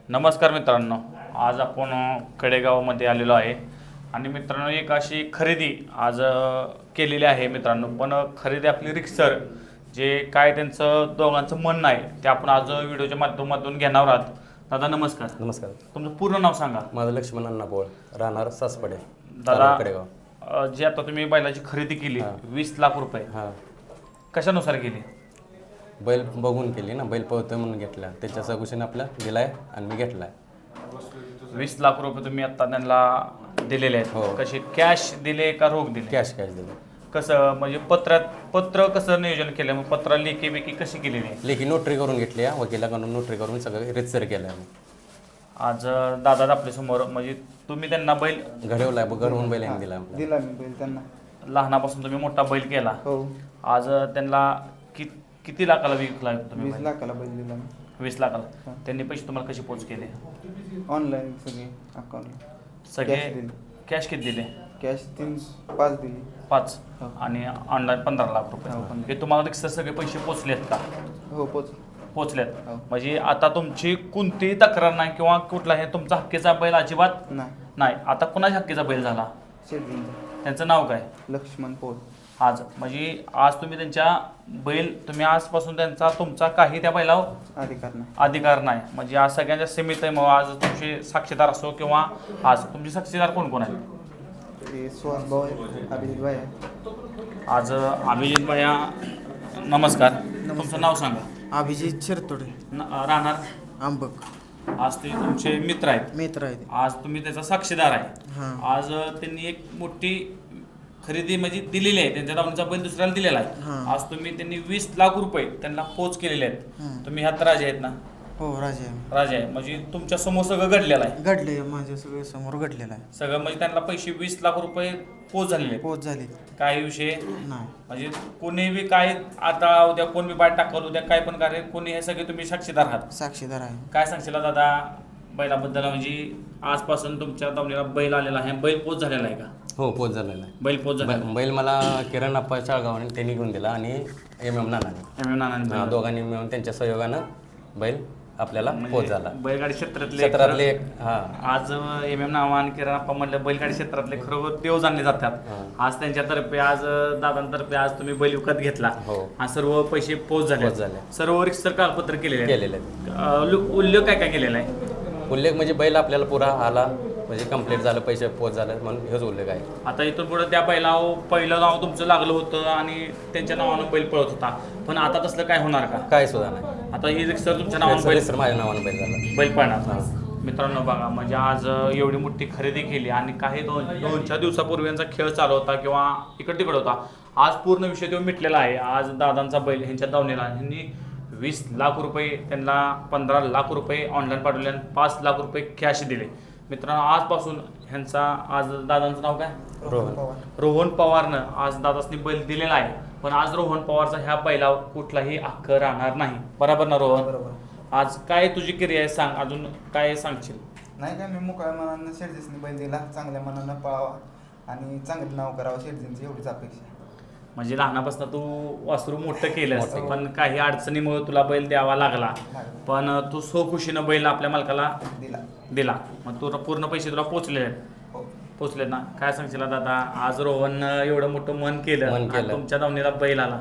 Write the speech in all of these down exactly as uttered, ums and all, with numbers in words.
नमस्कार मित्रांनो, आज आपण कडेगावमध्ये आलेलो आहे आणि मित्रांनो एक अशी खरेदी आज अ, केलेली आहे मित्रांनो. पण खरेदी आपली रिक्सर जे काय त्यांचं दोघांचं म्हणणं आहे ते आपण आज व्हिडिओच्या माध्यमातून घेणार आहोत. दादा नमस्कार. नमस्कार. तुमचं पूर्ण नाव सांगा. माझं लक्ष्मण अण्णापोळ, राहणार सासपडे, दादा कडेगाव. अ, जे आता तुम्ही बैलाची खरेदी केली वीस लाख रुपये हां, कशानुसार केली? बैल बघून केली ना, बैल पळतोय म्हणून घेतला. त्याच्या सगुशीने आपला दिलाय आणि मी घेतलाय. वीस लाख रुपये तुम्ही आता त्यांना दिलेले हो. आहेत. कसे कॅश दिले का रोख दिले? कॅश कॅश दिलं. कसं म्हणजे पत्रात पत्र कसं नियोजन केलं? मग पत्र लेखी बेकी कशी केलेली आहे? लेखी नोटरी करून घेतली आहे, वकिलाकडून नोटरी करून सगळं रितसर केलं आहे. आज दादा आपल्या समोर म्हणजे तुम्ही त्यांना बैल घडवलाय, घडवून बैल यांनी दिला आपल्याला. दिला मी बैल त्यांना. लहानापासून तुम्ही मोठा बैल केला. हो, आज त्यांना कि किती लाखाला विकला तुम्ही वीस बैल? लाखाला बैल दिला मी. वीस लाखाला. त्यांनी पैसे तुम्हाला कसे पोच केले? ऑनलाईन सगळे अकाउंटला सगळे कॅश दिले. कॅश किती दिले? कॅश तीन पाच दिली. पाच हो. आणि ऑनलाईन पंधरा लाख रुपये. हो, पंधरा. हे तुम्हाला रिक्षा सगळे पैसे पोचलेत का? हो, पोच. पोचलेत. हो. म्हणजे आता तुमची कोणतीही तक्रार नाही किंवा कुठलाही तुमचा हक्कीचा बैल अजिबात नाही, नाही. आता कुणाच्या हक्कीचा बैल झाला? शेटजींचा त्यांचं नाव काय? लक्ष्मण पोळ. आज म्हणजे आज तुम्ही त्यांच्या बैल तुम्ही आजपासून त्यांचा तुमचा काही त्या बैलावर अधिकार नाही. अधिकार नाही. म्हणजे आज सगळ्यांच्या सीमित आहे. मग आज तुमचे साक्षीदार असो किंवा आज तुमचे साक्षीदार कोण कोण आहेत? ते सुहास भाऊ आहे, अभिजित भाई आहे. आज अभिजित भैया नमस्कार. तुमचं नाव सांगा. अभिजित शिरतोडे, न- राहणार आंबक. आज ते तुमचे मित्र आहेत. मित्र आहे ते. आज तुम्ही त्याचा साक्षीदार आहे. हां. आज त्यांनी एक मोठी खरेदी म्हणजे दिलेली आहे. त्यांच्या दावणीचा बैल दुसऱ्याला दिलेला आहे. हां. आज तुम्ही त्यांनी वीस लाख रुपये त्यांना पोच केलेले आहेत. हं. तुम्ही ह्यात राजे आहेत ना? हो, राजे आहे. राजे आहे म्हणजे तुमच्या समोर सगळं घडलेलं आहे. घडले, माझ्या सगळे समोर घडलेलं आहे. सगळं म्हणजे त्यांना पैसे वीस लाख रुपये पोच झालेले आहेत. पोच झाली काही विषय नाही. म्हणजे कोणी बी काय आता उद्या कोण बी बाहेर टाकल उद्या काय पण कार्य कोणी हे सगळे तुम्ही साक्षीदार आहात. साक्षीदार आहे. काय सांगशील दादा बैलाबद्दल? म्हणजे आजपासून तुमच्या दावणीला बैल आलेला आहे. बैल पोच झालेला आहे का? हो, पोच झालेला आहे. बैल पोच झालेला बै- बैल मला किरण आप्पा चाळगावाने त्यांनी घेऊन दिला आणि एम एम नानाने. एम एम नानांनी हा, बैल. दोघांनी मिळून त्यांच्या सहयोगानं बैल आपल्याला पोच झाला. बैलगाडी क्षेत्रातले क्षेत्रातले एक हा आज एम एम नावा आणि किरण आप्पा म्हणलं बैलगाडी क्षेत्रातले खरोखर देव जाणले जातात. हां. आज त्यांच्यातर्फे आज दादांतर्फे आज तुम्ही बैल विकत घेतला हो. आणि सर्व पैसे पोच झाले. पोच झाले. सर्व रिक्सर कागदपत्र केलेले आहेत. केलेले आहेत. अं, उल्लेख उल्लेख काय काय केलेला आहे? उल्लेख म्हणजे बैल आपल्याला पुरा आला म्हणजे कंप्लीट झालं, पैसे पोच झालं म्हणून हेच उल्लेख आहे. आता इथून पुढे त्या बैलावर पहिलं नाव तुमचं लागलं होतं आणि त्यांच्या नावानं बैल पळत होता. पण आता तसलं काय होणार का? काय सुद्धा नाही. आता ही रिक्सर तुमच्या नावानं बैल सर माझ्या नावानं बैल झाला. बैल पळणार. मित्रांनो बघा म्हणजे आज एवढी मोठी खरेदी केली आणि काही दोन दोन चार दिवसापूर्वी यांचा खेळ चालू होता किंवा इकडे तिकडे होता. आज पूर्ण विषय तो मिटलेला आहे. आज दादांचा बैल ह्यांच्या दावणीला ह्यांनी वीस लाख रुपये त्यांना पंधरा लाख रुपये ऑनलाईन पाठवले आणि पाच लाख रुपये कॅश दिले. मित्रांनो आजपासून ह्यांचा आज दादांचं नाव काय? रोहन. रोहन पवारनं आज दादासनी बैल दिलेला आहे. पण आज रोहन पवारचा ह्या बैलावर कुठलाही हक्क राहणार नाही. बरोबर ना रोहन? बरोबर. आज काय तुझी क्रिया आहे सांग, अजून काय सांगशील? नाही काय, मी मोकळ्या मनानं शेटजींनी बैल दिला. चांगल्या मनानं पळावा आणि चांगलं नाव करावं शेटजींची, एवढीच अपेक्षा. म्हणजे लहानापासून तू वासरू मोठं केलंस मोठं. पण काही अडचणीमुळे तुला बैल द्यावा लागला. पण तू सो खुशीनं बैल आपल्या मालकाला दिला. दिला. मग तुला पूर्ण पैसे तुला पोचले आहेत. हो. पोचले ना? काय सांगशील दादा आज रोहन एवढं मोठं मन केलं मन आणि केलं. तुमच्या दावणीला बैल आला?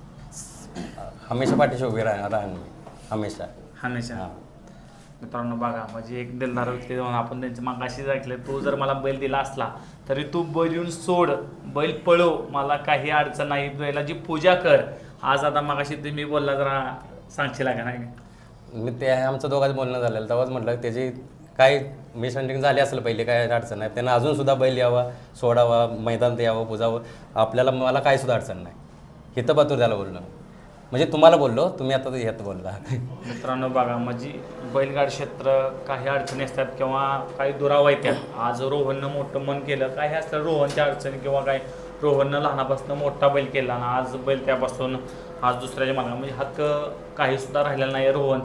हमेशा पाठीशी उभी राहणार राहणार हमेशा. हमेशा. हां. मित्रांनो बघा म्हणजे एक दिलदार व्यक्ती जाऊन आपण त्यांच्या मागाशी ऐकलं, तू जर मला बैल दिला असला तरी तू बैल येऊन सोड, बैल पळव, मला काही अडचण नाही, बैलाची पूजा कर. आज आता मागाशी तुम्ही बोलला जरा सांगशील का नाही? मी ते आमचं दोघांचं बोलणं झालेलं तेव्हाच म्हटलं त्याची काय मिसअंडरस्टँडिंग झाली असेल पहिले, काय अडचण नाही. त्यांना अजून सुद्धा बैल यावा, सोडावा, मैदान ते यावं, पुजावं, आपल्याला मला काय सुद्धा अडचण नाही. हिथं पातूर त्याला बोललो म्हणजे तुम्हाला बोललो, तुम्ही आता ह्यात बोलला. मित्रांनो बघा म्हणजे बैलगाड क्षेत्र काही अडचणी असतात किंवा काही दुरावा येतात. आज रोहननं मोठं मन केलं, काही असतं रोहनच्या अडचणी किंवा काय रोहननं लहानापासून मोठा बैल केला आणि आज बैल त्यापासून आज दुसऱ्याच्या मागा म्हणजे हक्क काही सुद्धा राहिलेला नाही रोहनचा.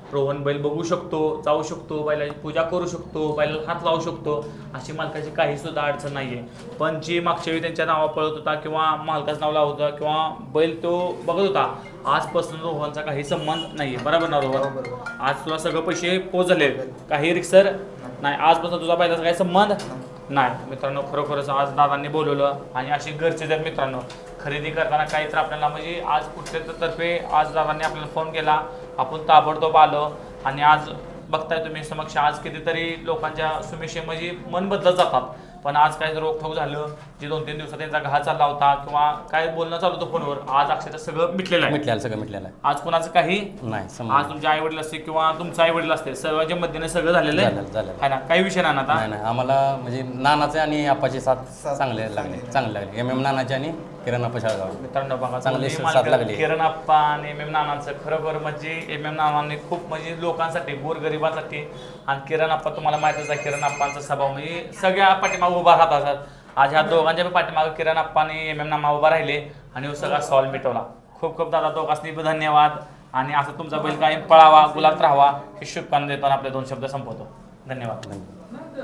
रोहन बैल बघू शकतो, जाऊ शकतो, बैलाची पूजा करू शकतो, बैलाला हात लावू शकतो, अशी मालकाची काही सुद्धा अडचण नाही आहे. पण जी मागच्या वेळी त्यांच्या नावा पळत होता किंवा मालकाचं नाव लावत होता किंवा बैल तो बघत होता, आजपासून रोहनचा काही संबंध नाही आहे. बरोबर ना रोहन? आज तुला सगळं पैसे पोच झाले, काही रिक्सर नाही, आजपासून तुझा बैलाचा काही संबंध नाही. मित्रांनो, खरोखरच आज दादांनी बोलवलं आणि असे घरचे जर मित्रांनो खरेदी करताना काही तर आपल्याला म्हणजे आज कुठल्या तर्फे आज दादांनी आपल्याला फोन केला, आपण ताबडतोब आलो आणि आज बघताय तुम्ही समक्ष आज कितीतरी लोकांच्या सुमेशे म्हणजे मन बदलत जातात. पण आज काय रोखोक झालं, जे दोन तीन दिवसात त्यांचा घा चालला होता किंवा काय बोलणं चालू होतं फोनवर, आज अक्षरशः सगळं मिटलेलं आहे. मिटलेलं सगळं मिटलेलं आहे. आज कोणाचं काही नाही आज समज तुमचे आई वडील असतील किंवा तुमचं आई वडील असतील, सर्वांच्या मध्येने सगळं झालेलं आहे. झालं झालं आहे ना, काही विषय नाही ना आता. नाही नाही आम्हाला म्हणजे नानाचे आणि आप्पाचे साथ साथ चांगले लागले चांगले. चांगले लागले. एम एम नानाचे आणि किरण आप्पा शाळगाव. मित्रांनो बघा, चांगली दोन्ही साथ मालकं, लागली. किरण आप्पा आणि एम एम नानांचं खरोखर म्हणजे एम एम नानांनी खूप म्हणजे लोकांसाठी, गोरगरिबांसाठी, आणि किरण आप्पा तुम्हाला माहितीच आहे, किरण आप्पांचा स्वभाव म्हणजे सगळ्या पाठीमागे उभा राहत असतात. आज ह्या दोघांच्या पाठीमागे किरण आप्पा आणि एम एम नाना उभा राहिले आणि तो सगळा सॉल्व मिटवला. खूप खूप दादा दोघांनी धन्यवाद आणि असं तुमचा बैल कायम पळावा, गुलात राहावा ही शुभकामना देताना आपले दोन शब्द संपवतो. धन्यवाद.